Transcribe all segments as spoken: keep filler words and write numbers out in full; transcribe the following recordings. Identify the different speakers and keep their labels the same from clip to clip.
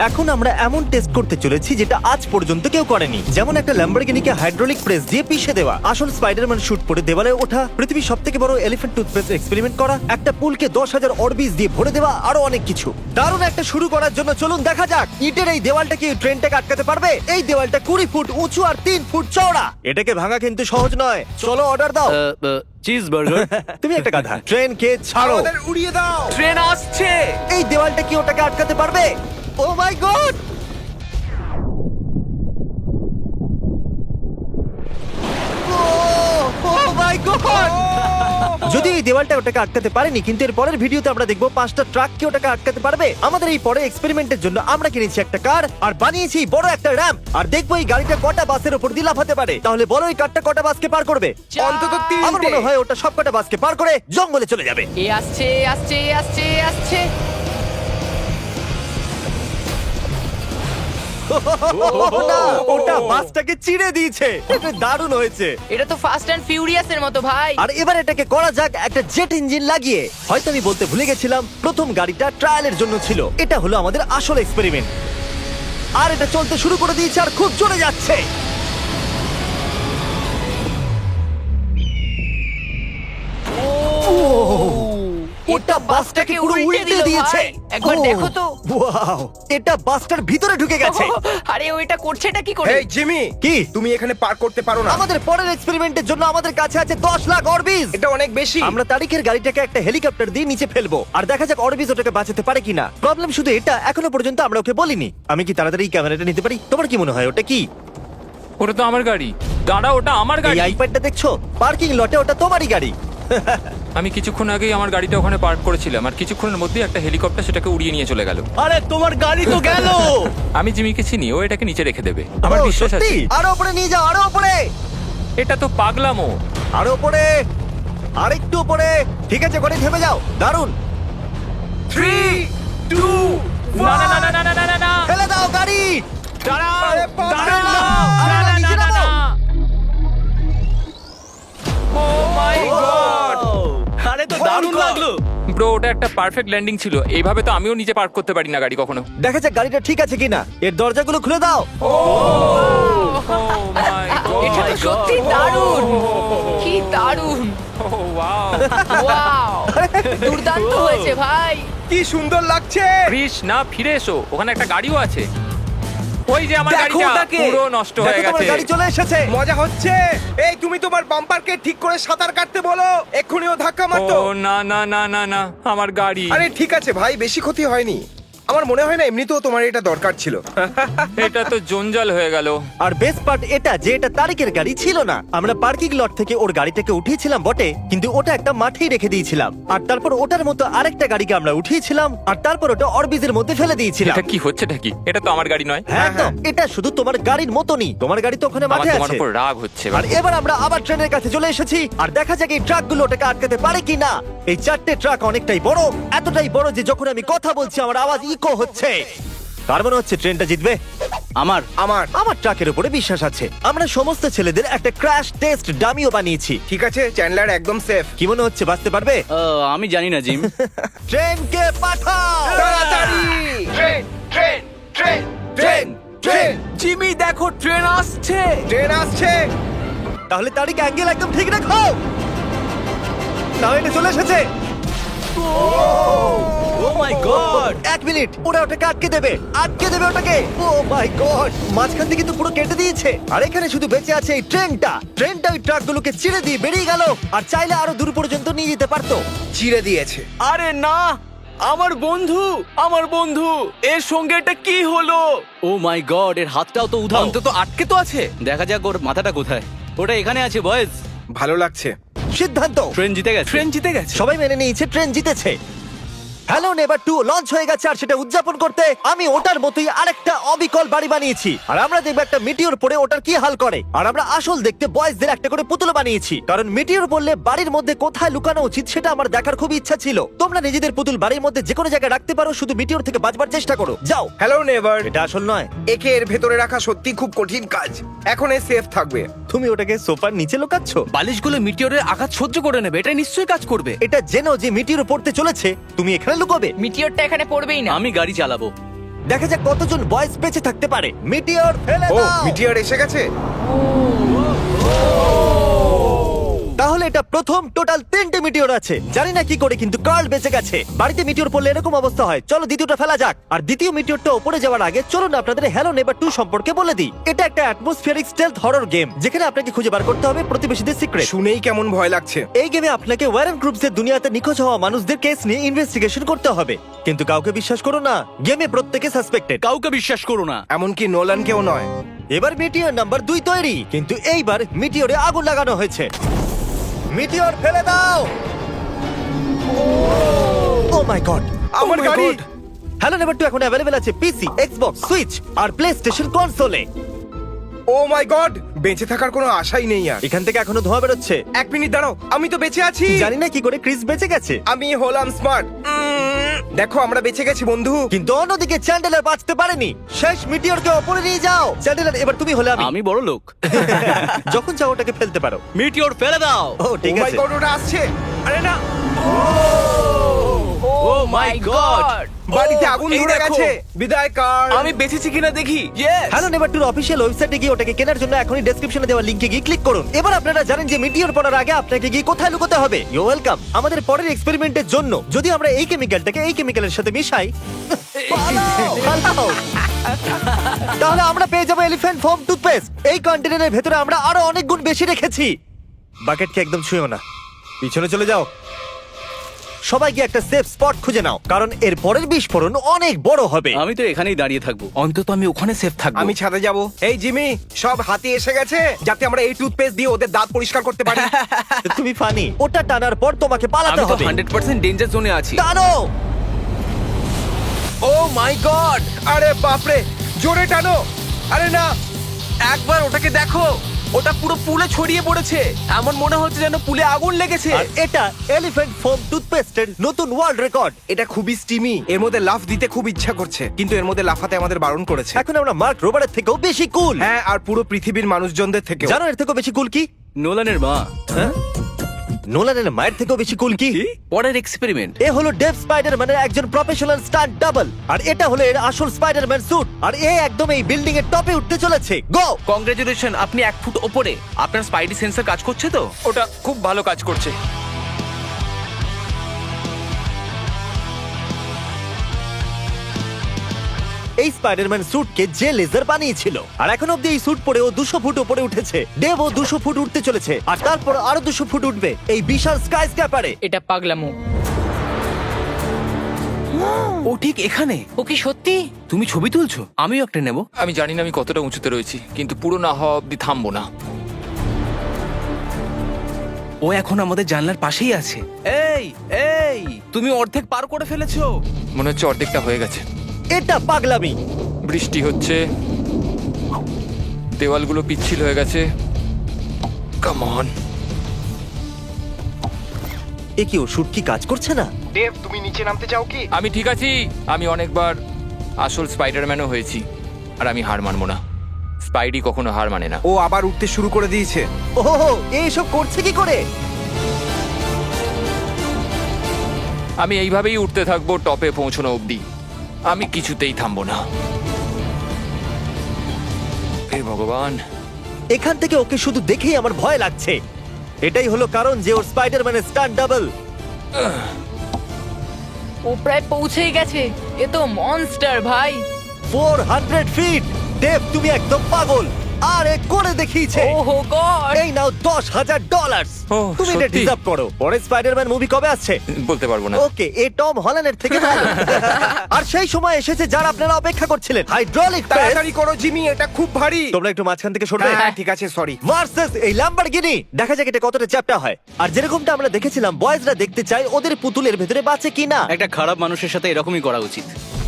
Speaker 1: এখন আমরা এমন টেস্ট করতে চলেছি যেটা আজ পর্যন্ত কেউ করেনি, যেমন একটা ল্যাম্বরগিনিকে হাইড্রোলিক প্রেস দিয়ে পিষে দেওয়া, আসল স্পাইডারম্যান শুট পরে দেওয়ালে ওঠা, পৃথিবীর সবথেকে বড় এলিফ্যান্ট টুথপেস্ট এক্সপেরিমেন্ট করা, একটা পুলকে দশ হাজার অরবিজ দিয়ে ভরে দেওয়া, আরো অনেক কিছু। দারুণ একটা শুরু করার জন্য চলুন দেখা যাক ইটের এই দেওয়ালটা কি ট্রেনটাকে আটকাতে পারবে। এই দেওয়ালটা কুড়ি ফুট উঁচু আর তিন ফুট চওড়া। এটাকে ভাঙা কিন্তু সহজ নয়। চলো অর্ডার দাও।
Speaker 2: Cheese burger.
Speaker 1: তুমি একটা গাধা। ট্রেনকে ছাড়ো।
Speaker 3: আমাদের উড়িয়ে দাও।
Speaker 2: ট্রেন আসছে।
Speaker 1: এই দেওয়ালটা কি ওটাকে আটকাতে পারবে? Oh my god! যদি এই দেওয়ালটা ওটাকে আটকাতে পারেনি, কিন্তু এর পরের ভিডিওতে আমরা দেখবো পাঁচটা ট্রাক কি ওটাকে আটকাতে পারবে। আমাদের এই পরে এক্সপেরিমেন্টের জন্য আমরা কিনেছি একটা কার আর বানিয়েছি বড় একটা র্যাম্প, আর দেখবো এই গাড়িটা কটা বাসের উপর দিয়ে লাফাতে পারে। তাহলে বলো এই কারটা কটা বাসকে পার করবে?
Speaker 3: অন্তত
Speaker 1: আমার
Speaker 3: তিনটে।
Speaker 1: মনে হয় ওটা সব কটা বাসকে পার করে জঙ্গলে চলে যাবে।
Speaker 4: এ আসছে আসছে আসছে আসছে।
Speaker 1: না, ওটা বাসটাকে চিড়ে দিয়েছে। এটা দারুণ হয়েছে।
Speaker 4: এটা তো ফাস্ট অ্যান্ড ফিউরিয়াস এর মতো ভাই।
Speaker 1: আর এবার এটাকে করা যাক একটা জেট ইঞ্জিন লাগিয়ে। হয়তো আমি বলতে ভুলে গেছিলাম, প্রথম গাড়িটা ট্রায়ালের জন্য ছিল, এটা হলো আমাদের আসল এক্সপেরিমেন্ট। আর এটা চলতে শুরু করে দিয়েছে আর খুব জোরে যাচ্ছে। এটা বাসটাকে পুরো উল্টে দিয়েছে।
Speaker 4: একবার
Speaker 1: ও,
Speaker 4: দেখো তো।
Speaker 1: ওয়াও, এটা বাসটার ভিতরে ঢুকে গেছে।
Speaker 4: আরে ওইটা করছেটা কি করে?
Speaker 3: এই জিমি,
Speaker 1: কি?
Speaker 3: তুমি এখানে পার করতে পারো না।
Speaker 1: আমাদের পরের এক্সপেরিমেন্টের জন্য আমাদের কাছে আছে দশ লাখ অরবিজ।
Speaker 3: এটা অনেক বেশি।
Speaker 1: আমরা তারিখের গাড়িটাকে একটা হেলিকপ্টার দিয়ে নিচে ফেলবো আর দেখা যাক অরবিজ ওটাকে বাঁচাতে পারে কিনা। প্রবলেম শুধু এটা, এখনো পর্যন্ত আমরা ওকে বলিনি। আমি কি তাড়াতাড়ি এই ক্যামেরাটা নিতে পারি? তোমার কি মনে হয় ওটা কি?
Speaker 2: ওটা তো আমার গাড়ি। দাঁড়া, ওটা আমার
Speaker 1: এই
Speaker 2: গাড়ি।
Speaker 1: আইপ্যাডটা দেখছো? পার্কিং লটে ওটা তোমারই গাড়ি।
Speaker 2: আমি কিছুক্ষণ আগেই আমার গাড়িটা ওখানে পার্ক করেছিলাম, আর কিছুক্ষণের মধ্যেই একটা হেলিকপ্টার সেটাকে উড়িয়ে নিয়ে চলে গেল।
Speaker 1: আরে তোমার গাড়ি তো গেল।
Speaker 2: আমি জিমিকে চিনি, ও এটাকে নিচে রেখে দেবে, আমার
Speaker 1: ও,
Speaker 2: বিশ্বাস আছে।
Speaker 1: সত্যি? আরো উপরে নিয়ে যাও, আরো উপরে,
Speaker 2: এটা তো পাগলামো।
Speaker 1: আরো উপরে, আরেকটু উপরে। ঠিক আছে, গাড়ি থেমে যাও। দারুণ।
Speaker 3: থ্রি টু
Speaker 2: না না না না না না না না।
Speaker 1: ফেলে দাও গাড়ি।
Speaker 2: দাঁড়াও,
Speaker 3: আরে বাবা।
Speaker 2: দাঁড়াও।
Speaker 1: আরে
Speaker 2: না,
Speaker 1: না,
Speaker 2: না,
Speaker 1: নিচে
Speaker 2: না,
Speaker 1: নামো।
Speaker 2: না। Oh my God!
Speaker 1: আরে তো দারুণ লাগলো।
Speaker 2: ব্রো, ওটা একটা পারফেক্ট ল্যান্ডিং ছিল। এইভাবে তো আমিও নিচে পার্ক করতে পারি না গাড়ি কখনো।
Speaker 1: দেখা যাক গাড়িটা ঠিক আছে কিনা। এর দরজাগুলো খুলে দাও।
Speaker 2: Oh my God!
Speaker 4: এটা তো সত্যি দারুণ। কি দারুণ।
Speaker 2: Oh, wow!
Speaker 4: ওয়াও, দুর্দান্ত হয়েছে ভাই।
Speaker 3: কি সুন্দর লাগছে।
Speaker 2: কৃষ, না, ফিরে এসো, ওখানে একটা গাড়িও আছে। ওই যে আমার
Speaker 3: দেখো
Speaker 2: গাড়িটা
Speaker 3: ওটাকে।
Speaker 2: পুরো নষ্ট হয়ে
Speaker 1: দেখো তোমার
Speaker 2: গেছে।
Speaker 1: গাড়ি চলে এসেছে।
Speaker 3: মজা হচ্ছে। এই তুমি তোমার বাম্পারকে ঠিক করে সাঁতার কাটতে বলো, এক্ষুনি ও ধাক্কা মারতো।
Speaker 2: ও না না না না না, আমার গাড়ি।
Speaker 3: আরে ঠিক আছে ভাই, বেশি ক্ষতি হয়নি। আমার মনে হয় না এমনিতেও তোমার এটা দরকার ছিল।
Speaker 2: এটা তো জঞ্জাল হয়ে গেল।
Speaker 1: আর বেস্ট পার্ট এটা যে এটা তারিকের গাড়ি ছিল না। আমরা পার্কিং লট থেকে ওর গাড়িটাকে উঠিয়েছিলাম বটে, কিন্তু ওটা একটা মাঠেই রেখে দিয়েছিলাম। আর তারপর ওটার মতো আরেকটা গাড়িকে আমরা উঠিয়েছিলাম, আর তারপর ওটা অরবিজের মধ্যে ফেলে দিয়েছিলাম।
Speaker 2: এটা কি হচ্ছেটা কি? এটা তো আমার গাড়ি নয়।
Speaker 1: হ্যাঁ একদম, এটা শুধু তোমার গাড়ির মতনই। তোমার গাড়ি তো ওখানে
Speaker 2: আমার
Speaker 1: মাঠে
Speaker 2: তোমার
Speaker 1: আছে।
Speaker 2: উপর রাগ হচ্ছে।
Speaker 1: আর এবার আমরা আবার ট্রেনের কাছে চলে এসেছি, আর দেখা যাক এই ট্রাকগুলো ওটাকে আটকাতে পারে কিনা। এই চারটে ট্রাক অনেকটাই বড়, এতটাই বড় যে যখন আমি কথা বলছি আমার আওয়াজ ইকো হচ্ছে। কার মনে হচ্ছে ট্রেনটা জিতবে?
Speaker 3: আমার আমার
Speaker 1: আমার ট্রাকের উপরে বিশ্বাস আছে। আমরা সমস্ত ছেলেদের একটা ক্র্যাশ টেস্ট ডামিও বানিয়েছি।
Speaker 3: ঠিক আছে, চ্যান্ডলার একদম সেফ।
Speaker 1: কি মনে হচ্ছে বাঁচতে পারবে?
Speaker 5: আমি জানি না জিম।
Speaker 1: ট্রেনকে পাঠাও
Speaker 3: তাড়াতাড়ি। Train train train train train
Speaker 5: Jimmy দেখো, ট্রেন আসছে।
Speaker 3: ট্রেন আসছে।
Speaker 1: তাহলে তারিখ অ্যাঙ্গেল একদম ঠিক রাখো। তাহলে এটা চলে এসেছে। ও মাই গড! এক মিনিট, ওরা ওটাকে আটকে দেবে, আটকে দেবে ওটাকে। Oh my God! মাঝখান থেকে কিন্তু পুরো কেটে দিয়েছে। আর এখানে শুধু বেঁচে আছে এই ট্রেনটা। ট্রেনটা ওই ট্রাকগুলোকে চিড়ে দিয়ে বেরিয়ে গেল, আর চাইলে আরো দূর পর্যন্ত নিয়ে যেতে পারতো।
Speaker 3: চিড়ে দিয়েছে।
Speaker 5: আরে না, আমার বন্ধু, আমার বন্ধু, এর সঙ্গে এটা কি হলো? ও মাই গড, এর হাতটাও তো উধাও। অন্তত আটকে তো আছে। দেখা যাক ওর মাথাটা কোথায়। ওটা এখানে আছে বয়েজ।
Speaker 3: ভালো লাগছে।
Speaker 1: সিদ্ধান্ত,
Speaker 5: ট্রেন জিতে গেছে। ট্রেন জিতে গেছে।
Speaker 1: সবাই মেনে নিয়েছে ট্রেন জিতেছে। হ্যালো নেভার টু লঞ্চ হয়ে গেছে, আর সেটা উদযাপন করতে আমি ওটার মতোই আরেকটা অবিকল বাড়ি বানিয়েছি। আর আমরা দেখবো একটা মিটিওর পরে ওটার কি হাল করে। আর আমরা আসল দেখতে বয়েজদের একটা করে পুতুল বানিয়েছি, কারণ মিটিওর বললে বাড়ির মধ্যে কোথায় লুকানো উচিত সেটা আমার দেখার খুব ইচ্ছা ছিল। তোমরা নিজেদের পুতুল বাড়ির মধ্যে যে কোনো জায়গায় রাখতে পারো, শুধু মিটিওর থেকে বাঁচবার চেষ্টা করো। যাও।
Speaker 3: Hello Neighbor.
Speaker 1: এটা আসল নয়।
Speaker 3: একে এর ভেতরে রাখা সত্যি খুব কঠিন কাজ। এখন এ সেফ থাকবে।
Speaker 1: তুমি ওটাকে সোফার নিচে লুকাচ্ছ।
Speaker 5: বালিশগুলো মিটিওরের আঘাত সহ্য করে নেবে, এটা নিশ্চয়ই কাজ করবে।
Speaker 1: এটা জেনো যে মিটিওর পড়তে চলেছে, তুমি এখানে লুকোবে।
Speaker 4: মিটিওরটা এখানে পড়বেই না।
Speaker 5: আমি গাড়ি চালাবো।
Speaker 1: দেখা যাক কতজন বয়েজ বেঁচে থাকতে পারে। মিটিওর ফেলে
Speaker 3: ও
Speaker 1: দাও।
Speaker 3: মিটিয়ার এসে গেছে।
Speaker 1: তাহলে এটা প্রথম টোটাল তিনটে মিটিওর আছে। জানি না কি করে, কিন্তু কার্ল বেঁচে গেছে। বাড়িতে মিটিওর পড়লে এরকম অবস্থা হয়। চলো দ্বিতীয়টা ফেলা যাক। আর দ্বিতীয় মিটিওরটা উপরে যাওয়ার আগে চলুন আপনাদের হ্যালো নেবার টু সম্পর্কে বলে দিই। এটা একটা অ্যাটমসফিয়ারিক স্টেলথ হরর গেম, যেখানে আপনাকে খুঁজে বার করতে হবে প্রতিবেশীদের সিক্রেট।
Speaker 3: শুনেই কেমন ভয় লাগছে।
Speaker 1: এই গেমে আপনাকে ওয়ারেন গ্রুপসের দুনিয়াতে নিখোঁজ হওয়া মানুষদের কেস নিয়ে ইনভেস্টিগেশন করতে হবে। কিন্তু কাউকে বিশ্বাস করো না, গেমে প্রত্যেকে সাসপেক্টেড।
Speaker 5: কাউকে বিশ্বাস করো না।
Speaker 3: এমনকি নোলানকেও নয়।
Speaker 1: এবার মিটিওর নাম্বার দুই তৈরি, কিন্তু এইবার মিটিওরে আগুন লাগানো হয়েছে। মিটিওর ফেলে দাও। ও মাই গড,
Speaker 3: আমার
Speaker 1: Oh my
Speaker 3: গাড়ি।
Speaker 1: God! হ্যালো নেভার টু এখন অ্যাভেলেবেল আছে পিসি, এক্সবক্স, সুইচ আর প্লে স্টেশন কনসোলে।
Speaker 3: ও মাই গড, বেঁচে থাকার কোনো আশাই নেই আর।
Speaker 1: এখান থেকে এখনো ধোঁয়া বেরোচ্ছে।
Speaker 3: এক মিনিট দাঁড়াও, আমি তো বেঁচে আছি।
Speaker 1: জানি না কি করে ক্রিস বেঁচে গেছে,
Speaker 3: আমি হলাম স্মার্ট। দেখো আমরা বেঁচে গেছি বন্ধু।
Speaker 1: কিন্তু অন্যদিকে চ্যান্ডেলার বাঁচতে পারেনি। শেষ মিটিওরকে ওপরে নিয়ে যাও। চ্যান্ডেলার এবার তুমি হলে আমি।
Speaker 5: আমি বড় লোক।
Speaker 1: যখন চাও ওটাকে ফেলতে পারো।
Speaker 5: মিটিওর ফেলে দাও।
Speaker 1: ও ঠিক
Speaker 3: ও মাই
Speaker 1: আছে।
Speaker 3: গড, ওটা আসছে। আরে না,
Speaker 5: ও মাই গড।
Speaker 3: বাড়িতে আগুন
Speaker 5: এই
Speaker 3: ধরে
Speaker 5: দেখো।
Speaker 3: গেছে। বিদায় কার।
Speaker 5: আমি বেঁচেছি কিনা দেখি। ইয়েস।
Speaker 1: হ্যালো নেভার টুর অফিসিয়াল ওয়েবসাইটে গিয়ে ওটাকে কেনার জন্য এখনই ডেসক্রিপশনে দেওয়া লিংকে গিয়ে ক্লিক করুন। এবার আপনারা জানেন যে মিটিওর পড়ার আগে আপনাকে গিয়ে কোথায় লুকোতে হবে। You welcome. আমাদের পরের এক্সপেরিমেন্টের জন্য যদি আমরা এই কেমিক্যালটাকে এই কেমিক্যালের সাথে মিশাই, পালাও, পালাও। তাহলে আমরা পেয়ে যাবো এলিফ্যান্ট ফোম টুথপেস্ট। এই কন্টেনারের ভেতরে আমরা আরো অনেক গুণ বেশি রেখেছি। বাকেটকে একদম ছুঁয়ো না, পিছনে চলে যাও। সবাই গিয়ে একটা সেফ স্পট খুঁজে নাও, কারণ এর পরের বিস্ফোরণ অনেক বড় হবে।
Speaker 5: আমি তো এখানেই দাঁড়িয়ে থাকবো, অন্তত আমি ওখানে সেফ থাকবো।
Speaker 3: আমি ছাদে যাব। এই জিমি, সব হাতি এসে গেছে যাতে আমরা এই টুথপেস্ট দিয়ে ওদের দাঁত পরিষ্কার করতে পারি।
Speaker 1: তুমি ফানি। ওটা টানার পর তোমাকে পালাতে
Speaker 5: আমি তো
Speaker 1: হবে।
Speaker 5: হান্ড্রেড পার্সেন্ট ডেঞ্জার জোনে আছি।
Speaker 1: টানো।
Speaker 3: ও মাই গড, আরে বাপরে, জোরে টানো। আরে না,
Speaker 5: একবার ওটাকে দেখো, ওটা পুরো পুলে ছড়িয়ে পড়েছে। এমন মনে হচ্ছে যেন পুলে আগুন লেগেছে।
Speaker 1: আর এটা এলিফ্যান্ট ফোম টুথপেস্টের নতুন ওয়ার্ল্ড রেকর্ড।
Speaker 3: এটা খুবই স্টিমি। এর মধ্যে লাফ দিতে খুব ইচ্ছা করছে, কিন্তু এর মধ্যে লাফাতে আমাদের বারণ করেছে।
Speaker 1: এখন আমরা মার্ক রোবারের থেকেও বেশি কুল।
Speaker 3: হ্যাঁ, আর পুরো পৃথিবীর মানুষজনদের থেকে।
Speaker 1: জানো এর থেকেও বেশি কুল কি?
Speaker 5: নোলানের মা।
Speaker 1: হ্যাঁ? নোলানের মায়ের থেকেও বেশি কুল কি?
Speaker 5: পরের এক্সপেরিমেন্ট।
Speaker 1: এ হলো ডেভ স্পাইডারম্যানের একজন প্রফেশনাল স্টান্ট ডাবল, আর এটা হলো এর আসল স্পাইডারম্যান স্যুট। আর এ একদম এই বিল্ডিং এর টপে উঠতে চলেছে। গো!
Speaker 5: কংগ্রেচুলেশন, আপনি এক ফুট ওপরে। আপনার স্পাইডি সেন্সর কাজ করছে তো?
Speaker 2: ওটা খুব ভালো কাজ করছে।
Speaker 1: এই স্পাইডারম্যান স্যুটকে যে লেজার বানিয়েছিল, আর এখন অব্দি এই স্যুট পরে ও দুশো ফুট উপরে উঠেছে। ডেভ ও দুশো ফুট উঠতে চলেছে, আর তারপর আরো দুশো ফুট উঠবে এই বিশাল স্কাই স্ক্যাপারে।
Speaker 4: এটা পাগলামো।
Speaker 5: ও ঠিক এখানে।
Speaker 4: ও কি সত্যি?
Speaker 5: তুমি ছবি তুলছো? আমিও একটা নেব।
Speaker 2: আমি জানি না আমি কতটা উঁচুতে রয়েছি, কিন্তু পুরো না হওয়া অব্দি থামবো না।
Speaker 5: ও এখন আমাদের জানলার পাশেই আছে। এই এই, তুমি অর্ধেক পার করে ফেলেছো।
Speaker 2: মনে হচ্ছে অর্ধেকটা হয়ে গেছে।
Speaker 1: এটা পাগলামি।
Speaker 2: বৃষ্টি হচ্ছে, দেওয়ালগুলো পিচ্ছিল হয়ে গেছে। Come on.
Speaker 1: এ কি, ও শুট কি কাজ করছে না?
Speaker 3: দেব, তুমি নিচে নামতে চাও কি?
Speaker 2: আমি ঠিক আছি। আমি অনেকবার আসল স্পাইডারম্যানও হয়েছি, আর আমি হার মানবো না। স্পাইডি কখনো হার মানে না।
Speaker 3: ও আবার উঠতে শুরু করে দিয়েছে।
Speaker 1: ওহো, এইসব করছে কি করে?
Speaker 2: আমি এইভাবেই উঠতে থাকবো টপে পৌঁছানো অবধি। আমি কিছুতেই থামবো না। হে ভগবান।
Speaker 1: এখান থেকে ওকে শুধু দেখেই আমার ভয় লাগছে। এটাই হলো কারণ যে ওর স্পাইডারম্যানের স্টান্ট ডাবল।
Speaker 4: ও প্রায় পৌঁছেই গেছে। এ তো মনস্টার ভাই।
Speaker 1: Four hundred feet. দেব, তুমি একদম পাগল। আর এ করে দেখিয়েছে।
Speaker 4: ওহো গড।
Speaker 1: এই নাও দশ হাজার ডলার।
Speaker 2: ও,
Speaker 1: তুমি এটা
Speaker 2: সত্যি?
Speaker 1: ডিজার্ভ করো। পরের স্পাইডারম্যান মুভি কবে আসছে?
Speaker 2: বলতে পারবো না।
Speaker 1: ওকে, এ টম হল্যান্ডের থেকে ভালো। আর সেই সময় এসেছে যারা আপনারা অপেক্ষা করছিলেন, হাইড্রোলিক প্রেস।
Speaker 3: তাড়াতাড়ি করো জিমি, এটা খুব ভারী।
Speaker 1: তোমরা একটু মাঝখান থেকে সরবে।
Speaker 3: হ্যাঁ ঠিক আছে, সরি।
Speaker 1: ভার্সেস এই ল্যাম্বরগিনি। দেখা যাক এটা কতটা চ্যাপ্টা হয়। আর যেরকমটা আমরা দেখেছিলাম, বয়েজরা দেখতে চায় ওদের পুতুলের ভেতরে বাঁচে কিনা।
Speaker 5: একটা খারাপ মানুষের সাথে এরকমই করা উচিত।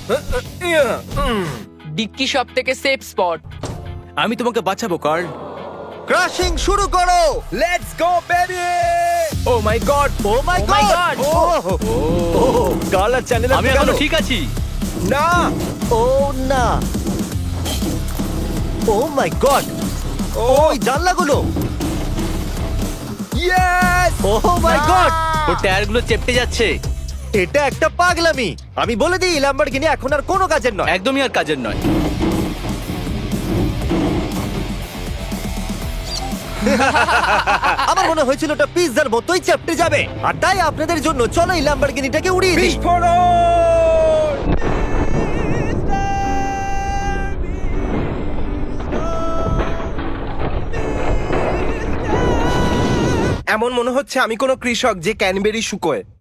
Speaker 4: ডিক্কি সব থেকে সেফ স্পট।
Speaker 5: আমি তোমাকে বাঁচাবো কার্ল।
Speaker 1: ক্রাশিং শুরু করো।
Speaker 3: Let's go baby. Oh my God,
Speaker 1: oh my
Speaker 4: Oh my
Speaker 1: God.
Speaker 4: God!
Speaker 1: ও গালার চ্যানেল
Speaker 5: আমি এখনো ঠিক আছি।
Speaker 3: না।
Speaker 1: ও না। Oh my God. ওই জানলাগুলো।
Speaker 3: ইয়েস।
Speaker 1: O my god.
Speaker 5: ওর টায়ারগুলো চেপটে যাচ্ছে।
Speaker 1: এটা একটা পাগলামি। আমি বলে দিই ল্যাম্বরগিনি এখন আর কোনো কাজের নয়।
Speaker 5: একদমই আর কাজের নয়।
Speaker 1: আমার মনে হয়েছিল ওটা পিৎজার মতোই চেপটে যাবে, আর তাই আপনাদের জন্য চলো এই ল্যাম্বরগিনিটাকে উড়িয়ে দিই।
Speaker 3: বিস্ফোরণ! এমন মনে হচ্ছে আমি কোনো কৃষক যে ক্যানবেরি শুকোয়।